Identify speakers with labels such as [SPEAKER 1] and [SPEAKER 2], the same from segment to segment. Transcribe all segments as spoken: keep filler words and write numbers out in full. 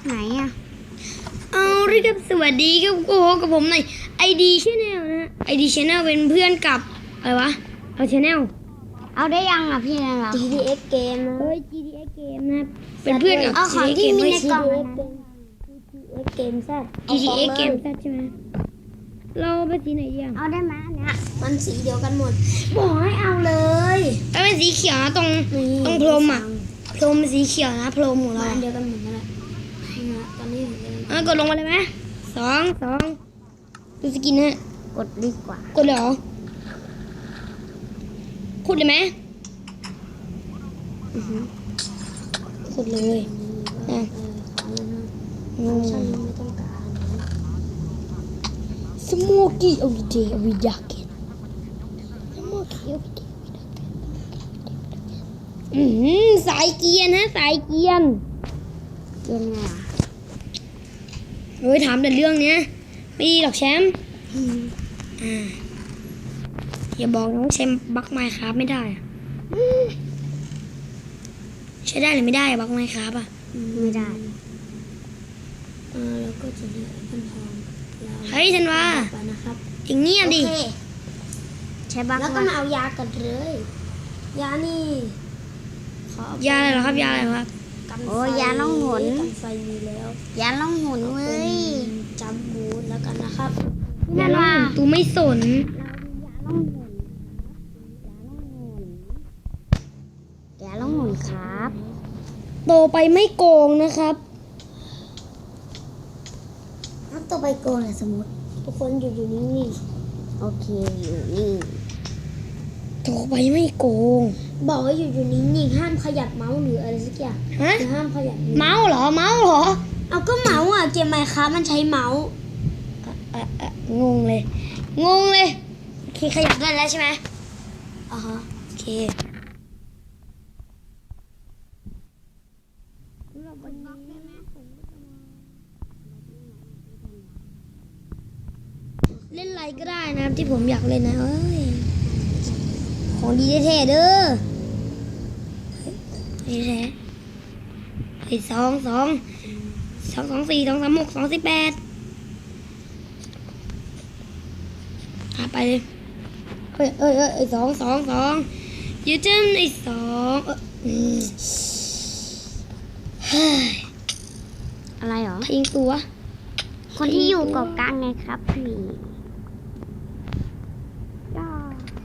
[SPEAKER 1] ไหนอ่ะ
[SPEAKER 2] เอาเรียกสวัสดีครับโอ้กับผมหน่อยไอดีชแนลนะไอดีชแนลเป็นเพื่อนกับอะไรวะเอาชแนล
[SPEAKER 1] เอาได้ยังอ่ะพี่นั่นเหรอ
[SPEAKER 2] จี ดี เอ็กซ์ Game นะเอ้ย จี ดี เอ็กซ์ Game นะเป็นเพื่อนกับ
[SPEAKER 1] เอาของที่มีในกล่อง
[SPEAKER 2] จี ดี เอ็กซ์ Game แซ่ จี ดี เอ็กซ์ Game แซ่ใช่ไหมเราไปสีไหนดีอ่ะ
[SPEAKER 1] เอาได้ไหมเนี่ย
[SPEAKER 2] มันสีเดียวกันหมดบอกให้เอาเลยเอาเป็นสีเขียวนะตรงตรงพรมอ่ะพรมสีเขียวนะพรมของเราเดียวกันหมดนั่นแหละตอนนี้เออกดลงมาเลยไหมสองสองดูสกินฮะ
[SPEAKER 1] กดดีกว่าก
[SPEAKER 2] ดเลยเหรอขุดเลยไหมอือหือขุดเลยอ่ะอืมสโมกี้เอาวิดีเอาวิดาเกนสโมกี้เอาวิดีอือหือสายเกียร์นะสายเกียร์
[SPEAKER 1] เย็นไงอ่ะ
[SPEAKER 2] เฮ้ยถามแต่เรื่องเนี้ยไม่ดีหรอกแชมป์อ่าอย่าบอกน้องแชมป์บักไมค์ครับไม่ได้อะใช้ได้หรือไม่ได้บักไมค์ครับอ่ะ
[SPEAKER 1] ไม่ได้
[SPEAKER 2] อ่าแล้วก็จะได้พันทองเฮ้ยธันวานะครับอย่างเงียบดิ
[SPEAKER 1] โอเคใช้บัก
[SPEAKER 2] แล้วก็มาเอายากันเลยยานี่ยาอะไรเหรอครับยาอะไรครับ
[SPEAKER 1] โอ้ยาล่องหน
[SPEAKER 2] กันไฟมีแล้ว
[SPEAKER 1] ยาล่องหนเว้ย
[SPEAKER 2] จัมบูทแล้วกันนะครับ
[SPEAKER 1] พี่นันวา
[SPEAKER 2] ตูไม่สน
[SPEAKER 1] ยาล่องหนครับ
[SPEAKER 2] โตไปไม่โกงนะครับ
[SPEAKER 1] ถ้าตัวไปโกนสมมติ
[SPEAKER 2] ทุกคนอยู่อยู่นิ่ง
[SPEAKER 1] โอเคอยู่นี่
[SPEAKER 2] ๆโตไปไม่โกง บอกว่าอยู่อยู่นิ่งๆห้ามขยับเมาส์หรืออะไรสักอย่างฮะห้ามขยับเมาส์เหรอเมาส์เหรอเอาก็เมาส์อ่ะเกมไมค์ครับมันใช้เมาส์อ่ะอ่ะงงเลยงงเลยโอเคขยับได้แล้วใช่ไหมอ่าฮะโอเคเล่นอะไรก็ได้นะครับที่ผมอยากเล่นนะเอ้ยของดีแท้ๆเด้อเฮ้ยแท้เฮ้ยสองสองสองสองสี่สองสามหกสองสิบแปดอ่ะไปเลยเฮ้ยเอ้ยเอ้ยสองสองสองยูจิมไอ้สองเอออืมเฮ้ย
[SPEAKER 1] อะไรหรอ
[SPEAKER 2] ยิงตัว
[SPEAKER 1] คนที่อยู่เกาะกลางไงครับพี่ย่า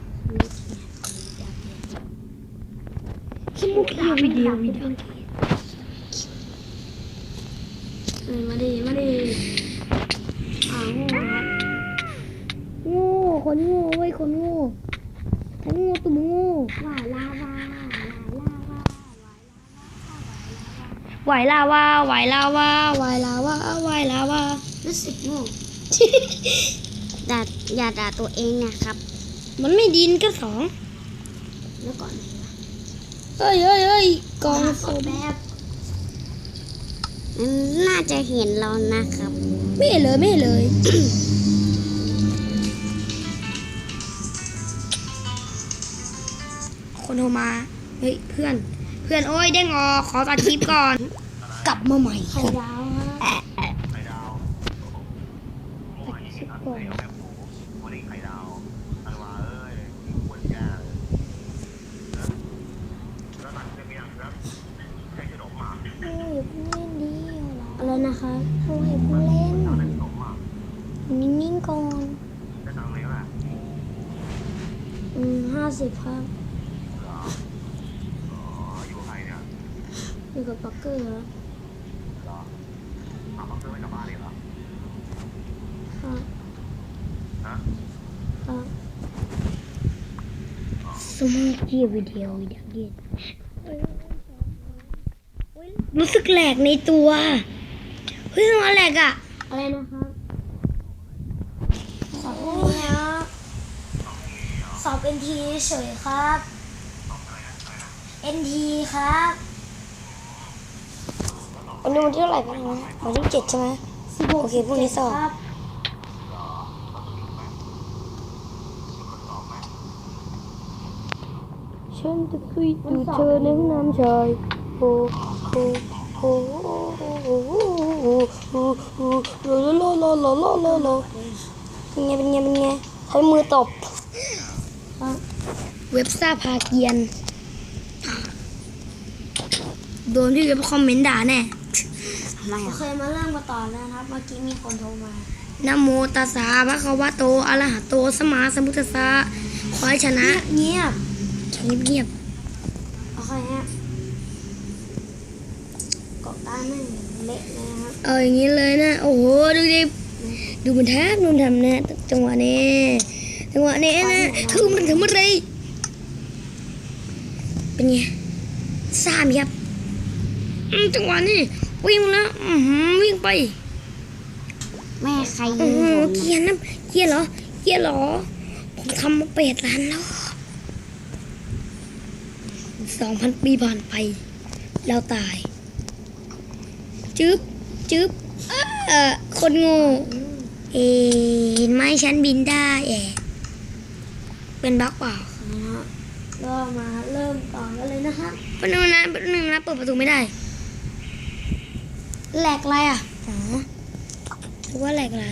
[SPEAKER 2] ขี้มุกอีวิดีโอวิดีโอเออมาดิมาดิอ่าโง่ครับโง่คนโง่เว้ยคนโง่ทั้งโง่ตุ่มโง่
[SPEAKER 1] หวายลาวาหวายลาวา
[SPEAKER 2] ไหวลาวาไหวลาวาไหวลาวาไหวลาวา
[SPEAKER 1] รู้สึกโง่ ด่าอย่าด่าตัวเองนะครับ
[SPEAKER 2] มันไม่ดินก็สอง
[SPEAKER 1] แล้วก่อน
[SPEAKER 2] เฮ้ยเฮ้ยเฮ้ยกองศพ
[SPEAKER 1] แบบมันน่าจะเห็นเรานะครับ
[SPEAKER 2] ไม่เห็นเลยไม่เห็นเลย คนโทรมาเฮ้ยเพื่อนเพื่อนโอ้ยเด้งออกขอตัดคลิปก่อน กลับมาใหม่ไข่ดาวฮะตัดคลิปก่อนโอ้ยเพิ่งเล่นดีอะไรนะคะโอ้ยเพิ่งเล่นนิ่งๆก่อนอืมห้าสิบครับอยู่กับปักเกอร์เหรอครับครับสมูทกี้วิดีโอวิดีโอเกมรู้สึกแหลกในตัวเฮ้ยทำไมแหลกอะอะไรนะครับสอบนี้นะสอบ เอ็น ที เฉยครับ เอ็น ที ครับวันนี้วันที่เท่าไหร่บ้างนะวันที่เจ็ดใช่ไหมโอเคพรุ่งนี้สอบฉันจะคุยดูเธอในห้องน้ำชายโอ้โอ้โอ้โอ้โอ้โอ้โลโลโลโลโลโลโลเป็นไงเป็นไงเป็นไงใช้มือตบเว็บซ่าพาเกียนโดนพี่เว็บคอมเมนต์ด่าแน่ทำไมอ่ะโอเคมาเริ่มกันต่อแล้วนะครับเมื่อกี้มีคนโทรมานะโมตัสสะภะคะวะโตอะระหะโตสัมมาสัมพุทธัสสะขอให้ชนะเงียบเงียบเงียบโอเคฮะเกาะตาไม่เละนะครับเอออย่างนี้เลยนะโอ้โหดูดิดูมันแทบนุ่นทำนะจังหวะนี้จังหวะนี้นะคือมันทำอะไรเป็นไงสามครับจังหวะนี้วิ่งแล้ววิ่งไป
[SPEAKER 1] แม่ใครยิ
[SPEAKER 2] โอ้
[SPEAKER 1] ง
[SPEAKER 2] โห
[SPEAKER 1] ผม
[SPEAKER 2] เกียร์นะเกียร์เหรอเกียร์เหรอผมทำมาเป็ดล้านแล้วสองพันปีผ่านไปแล้วตายจึ๊บจึ๊บเออคนโง่เอ๊ะเห็นไหมฉันบินได้แอะเป็นบั๊กเปล่าก็มาเริ่มต่อกันเลยนะคะเป็นหนึ่งนะเป็นหนึ่งนะเปิดประตูไม่ได้แหลกอะไรอ่ะอ๋อหรือว่าแหลกอะไร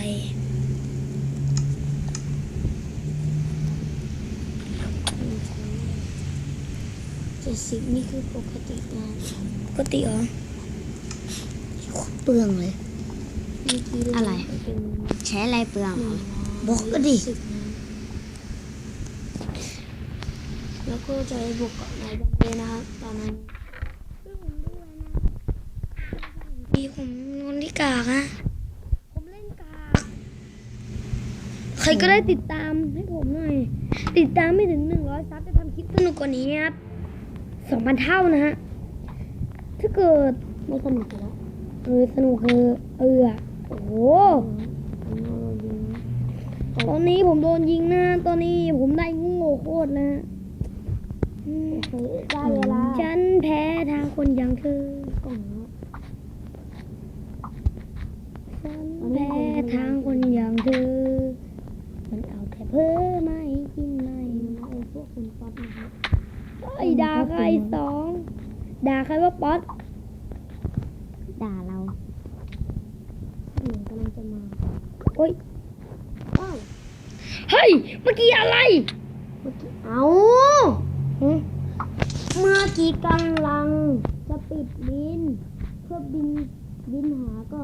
[SPEAKER 2] เจ็ดสิบนี่คือปกตินะปกติเหรอเปลืองเลย
[SPEAKER 1] อะไรใช้อะไรเปลือง
[SPEAKER 2] บอกก็ดิแล้วก็จะบวกกับนายบังเลยนะครับตอนนั้นดีผมนอนที่กากฮะผมเล่นกากใครก็ได้ติดตามให้ผมหน่อยติดตามไม่ถึงหนึ่งร้อยซับจะทำคลิปสนุกกว่านี้ครับสองพันเท่านะฮะถ้าเกิดไม่สนุกแล้วเออสนุกคือเออโอ้โหตอนนี้ผมโดนยิงนะตอนนี้ผมได้งูโง่โคตรนะได้เวลาฉันแพ้ทางคนอย่างเธอก่อนฉันแพ้ทางคนอย่างเธอมันเอาแต่เพ้อไม่กินไม่ไอ้พวกคนป๊อตนะครับไอ้ด่าใครสองด่าใครว่าป๊อต
[SPEAKER 1] ด่าเรา
[SPEAKER 2] เหมือนกำลังจะมาโอ๊ยว้าวเฮ้ยเมื่อกี้อะไรเมื่อกี้เอาเมื่อกี้กำลังจะปิดบินเพื่อบินบินหาก็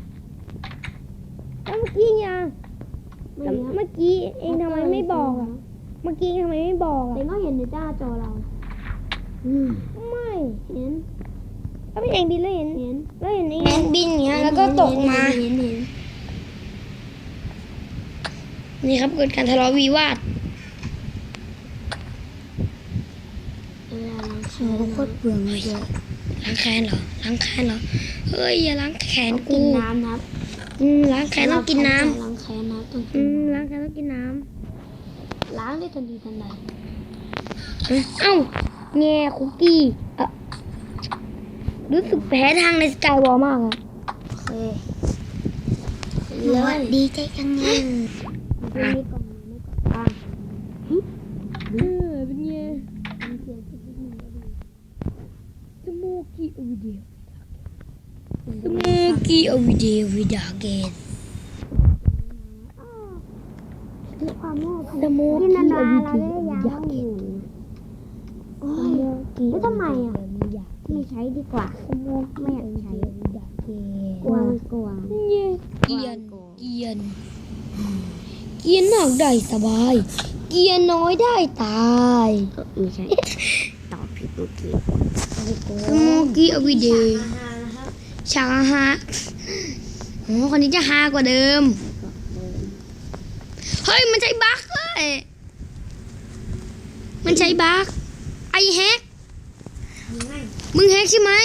[SPEAKER 2] แล้วเมื่อกี้ยังเมื่อกี้เองทำไมไม่บอกอ่ะเมื่อกี้ทำไมไม่บอกอ่ะเองก็เห็นในหน้าจอเราไม่เห็นก็ไม่เองบินแล้วเห็นเห็นแล้วเห็นเองบินอย่างเงี้ยแล้วก็ตกมาเห็นเห็นนี่ครับเกิดการทะเลาะวิวาท
[SPEAKER 1] เขาโคตรเปลืองเลย
[SPEAKER 2] ล้างแค้นเหรอล้างแค้นเหรอเฮ้ยอย่าล้างแค้นกู
[SPEAKER 1] กินน้ำนะ
[SPEAKER 2] อืมล้างแค้นต้องกินน้
[SPEAKER 1] ำล้างแค้นนะต้อง
[SPEAKER 2] อืมล้างแค้นต้องกินน้ำ
[SPEAKER 1] ล้างได้ทันทีทันใด
[SPEAKER 2] เอ้าแง่คุกกี้เออรู้สึกแพ้ทางในสกายวอลมากอ่ะ
[SPEAKER 1] โอเคเลยดีใจจังเลย
[SPEAKER 2] ไม่ก่อนไม่ก่อนเออเป็นไงสโมกี้อวิเดียสโมกี้อวิเดียวิดาเกต
[SPEAKER 1] ที่ความโง่
[SPEAKER 2] สโมกี้อวิเดียวิดาเกต
[SPEAKER 1] โอ้ยแล้วทำไมอ่ะไม่ใช้ดีกว่าไม่อยากใช้กวางกวาง
[SPEAKER 2] เกียนเกียนเกียนหนักได้สบายเกียนน้อยได้ตาย
[SPEAKER 1] ไม่ใช่ตอบผิดเมื่อกี้
[SPEAKER 2] สโมกี้อวิเดียฉากฮะโอ้คนนี้จะฮากว่าเดิมเฮ้ยมันใช้บั๊กเลยมันใช้บั๊กไอแฮกมึงแฮกใช่ไหม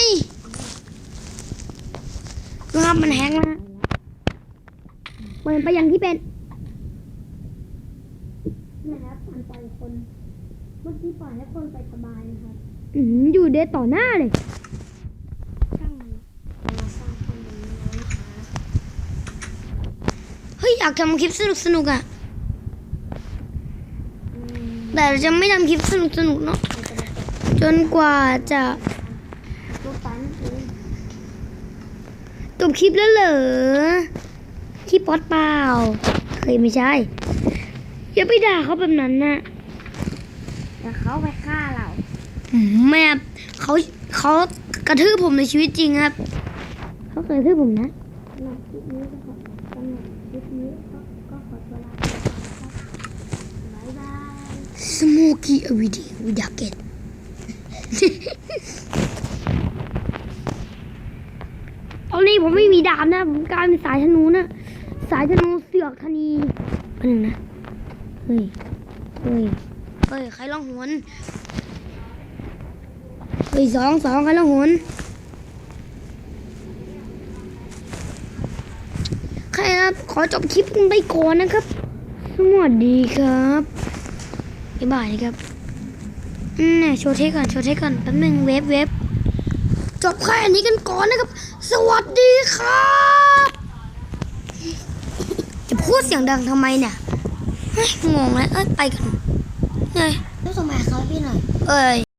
[SPEAKER 2] ครับมันแฮกนะเปิดไปอย่างที่เป็นนะครับมันปล่อยคนเมื่อกี้ปล่อยให้คนไปสบายนะครับอืมอยู่เดทต่อหน้าเลยช่างมันมาสร้างคนแบบนี้นะคะเฮ้ยอยากทำคลิปสนุกสนุกอ่ะแต่เราจะไม่ทำคลิปสนุกสนุกเนาะจนกว่าจะจบคลิปแล้วเหรอคลิปป๊อตเปล่าเคยไม่ใช่อย่าไปด่าเขาแบบนั้นนะ
[SPEAKER 1] เดี๋ยวเขาไปฆ่าเรา
[SPEAKER 2] อืมแม่เขาเขากระทืบผมในชีวิตจริงครับเขาเคยกระทืบผมนะ
[SPEAKER 1] สำหรับคลิปนี้ก็ขอสำหรับคลิปนี้ก็ก็ขอตัวลาไปก่อนนะครับบ๊ายบาย
[SPEAKER 2] สโมกี้อวิดีวิดาเกต ตอนนี้ผมไม่มีดาบนะ ผมกลายเป็นสายธนูนะ สายธนูเสือกธนีอันหนึ่งนะ เฮ้ย เฮ้ย เฮ้ย ใครร้องหวนเฮ้ยสองสองใครร้องหวนใครครับ ขอจบคลิปกันไปก่อนนะครับ สวัสดีครับบ๊ายบายนะครับอืมเนี่ยโชว์เทคก่อน โชว์เทคก่อน แป๊บนึงเวฟเวฟจบแค่นี้กันก่อนนะครับ สวัสดีครับ จะพูดเสียงดังทำไมเนี่ยเฮ้ยงงแล้วเอ้ยไปกันเฮ้ย
[SPEAKER 1] แล้วส่งมาเขาพี่หน่อย
[SPEAKER 2] เอ้ย